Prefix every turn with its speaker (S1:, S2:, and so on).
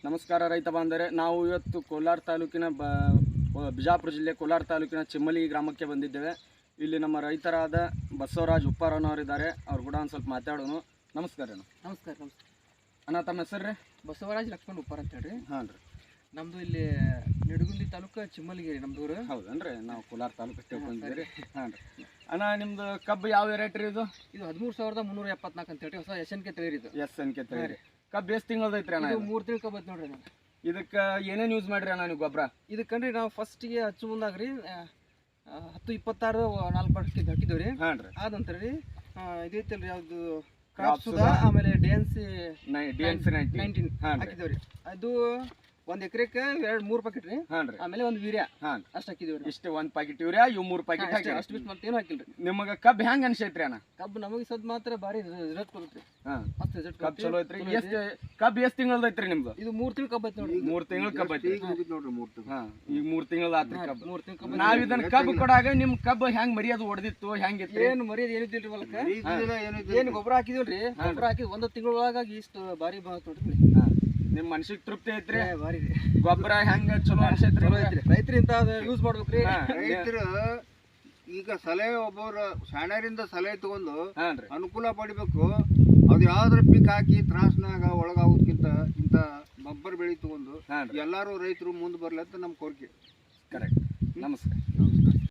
S1: ನಮಸ್ಕಾರ ರೈತ ಬಾಂಧವರೇ, ನಾವು ಇವತ್ತು ಕೋಲಾರ ತಾಲೂಕಿನ ಬಿಜಾಪುರ ಜಿಲ್ಲೆ ಕೋಲಾರ ತಾಲೂಕಿನ ಚಿಮ್ಮಲಿ ಗ್ರಾಮಕ್ಕೆ ಬಂದಿದ್ದೇವೆ. ಇಲ್ಲಿ ನಮ್ಮ ರೈತರಾದ ಬಸವರಾಜ್ ಉಪ್ಪಾರನವರಿದ್ದಾರೆ. ಅವ್ರು ಕೂಡ ಒಂದು ಸ್ವಲ್ಪ ಮಾತಾಡೋಣ. ನಮಸ್ಕಾರ ಅಣ್ಣ.
S2: ನಮಸ್ಕಾರ.
S1: ಅಣ್ಣ, ತಮ್ಮ ಹೆಸರು ರೀ?
S2: ಬಸವರಾಜ್ ಲಕ್ಷ್ಮಣ್ ಉಪ್ಪಾರ ಅಂತ ಹೇಳ್ರಿ.
S1: ಹಾಂ ರೀ.
S2: ನಮ್ಮದು ಇಲ್ಲಿ ನಿಡಗುಂದಿ ತಾಲೂಕು ಚಿಮ್ಮಲಿಗೇರಿ ನಮ್ದೂರು.
S1: ಹೌದನ್ರಿ, ನಾವು ಕೋಲಾರ ತಾಲೂಕು ಬಂದಿದ್ದೀರಿ. ಹಾಂ ರೀ. ಅಣ್ಣ, ನಿಮ್ದು ಕಬ್ಬು ಯಾವ ವೆರೈಟಿ ರೀ? ಇದು
S2: 13,374 ಅಂತ ಹೇಳಿ ಹೊಸ SNK ತಳಿ ಇದು.
S1: SNK ತಳಿ. ಕಬ್ಬು ಎಷ್ಟು ತಿಂಗಳದ ಐತ್ರಿ ಅಣ್ಣ?
S2: 3 ತಿಂಗಳು ಕಬ್ಬು ಐತೆ ನೋಡ್ರಿ.
S1: ಇದಕ್ಕೆ ಏನೇನು ಯೂಸ್ ಮಾಡ್ರಿ ಅಣ್ಣ ನೀವು ಗೊಬ್ಬರ?
S2: ಇದಕ್ಕಂಡ್ರಿ ನಾವು ಫಸ್ಟಿಗೆ ಹಚ್ಚು ಮುಂದಾಗ್ರಿ 10-26 4 ಪಟ್ಕೆ ಹಾಕಿದ್ದೇವೆ ರೀ.
S1: ಹಾಂ ರೀ.
S2: ಆದ ನಂತರ ರೀ ಇದೈತಲ್ರಿ ಯಾವುದು ಕ್ರಾಪ್ ಸುಧಾ, ಆಮೇಲೆ DNC 19 ಹಾಕಿದ್ದೇವೆ ರೀ. ಅದು 1 ಎಕರೆಕ್ಕೆ 2-3 ಪ್ಯಾಕೆಟ್ ರೀ.
S1: ಹಾಂ ರೀ.
S2: ಆಮೇಲೆ ಒಂದು ಯೂರಿಯಾ.
S1: ಹಾಂ,
S2: ಅಷ್ಟು ಹಾಕಿದ್ದೇವೆ ರೀ.
S1: ಇಷ್ಟು 1 ಪ್ಯಾಕೆಟ್ ಯೂರಿಯಾ, ಇವು 3 ಪ್ಯಾಕೆಟ್ ಹಾಕಿ
S2: ಅಷ್ಟು ಬಿಟ್ಟು ಮತ್ತೇನು ಹಾಕಿಲ್ರಿ.
S1: ನಿಮಗೆ ಕಬ್ಬು ಹೆಂಗೆ ಅನ್ಸೈತ್ರಿ ಅಣ್ಣ?
S2: ಕಬ್ಬು ನಮಗೆ ಸದ್ ಮಾತ್ರ ಭಾರಿ ರಿಸಲ್ಟ್ ಕೊಡುತ್ತೆ.
S1: ಹಾಂ,
S2: ಮಸ್ತ್ ರಿಸಲ್ಟ್
S1: ಕಬ್ಬು ಚಲೋ ಐತ್ರಿ. ಕಬ್ಬು ಎಷ್ಟು ತಿಂಗಳದ ಐತ್ರಿ ನಿಮ್ದು?
S2: ಇದು 3 ತಿಂಗಳು ಕಬ್ಬು ಐತಿ ನೋಡ್ರಿ.
S1: 3 ತಿಂಗಳು ಕಬ್ಬು ಐತಿ
S2: ನೋಡ್ರಿ. 3 ತಿಂಗಳು.
S1: ಹಾಂ, ಈಗ 3 ತಿಂಗಳು ಆತ್ರಿ ಕಬ್ಬು.
S2: 3 ತಿಂಗಳು ಕಬ್ಬು.
S1: ನಾವ್ ಇದನ್ನ ಕಬ್ಬು ಕೊಡಾಗ ನಿಮ್ ಕಬ್ಬು ಹೆಂಗ್ ಮರಿಯೋದು ಹೊಡೆದಿತ್ತು, ಹೆಂಗಿತ್ತು?
S2: ಏನು ಮರ್ಯಾದೆ ಏನಿದ್ದಿಲ್ರಿ ಹೊಲಕ್ಕ. ಏನು ಗೊಬ್ಬರ ಹಾಕಿದಿಲ್ರಿ. ಗೊಬ್ಬರ ಹಾಕಿ 1 ತಿಂಗಳೊಳಗಾಗಿ ಇಷ್ಟು ಭಾರಿ ನೋಡ್ರಿ.
S1: ನಿಮ್ ಮನ್ಸಿಗೆ ತೃಪ್ತಿ ಐತ್ರಿ?
S2: ಭಾರಿ
S1: ಗೊಬ್ಬರ ಹೆಂಗ ಚಲೋ ಅನ್ಸೈತ್ರಿ?
S2: ರೈತರು ಇಂತ ಯೂಸ್ ಮಾಡ್ಬೇಕ್ರಿ.
S3: ರೈತರು ಈಗ ಸಲಹೆ ಒಬ್ಬರು ಶಾಣ್ಯರಿಂದ ಸಲಹೆ ತಗೊಂಡು ಅನುಕೂಲ ಪಡಿಬೇಕು. ಅದು ಯಾವ್ದ್ರ ಪೀಕ್ ಹಾಕಿ ತ್ರಾಸ್ನಾಗ ಒಳಗಾಗೋದಕ್ಕಿಂತ ಇಂಥ ಗೊಬ್ಬರ ಬೆಳಿ ತಗೊಂಡು ಎಲ್ಲಾರು ರೈತರು ಮುಂದೆ ಬರ್ಲಿ ಅಂತ ನಮ್ಮ ಕೋರಿಕೆ.
S1: ಕರೆಕ್ಟ್. ನಮಸ್ಕಾರ.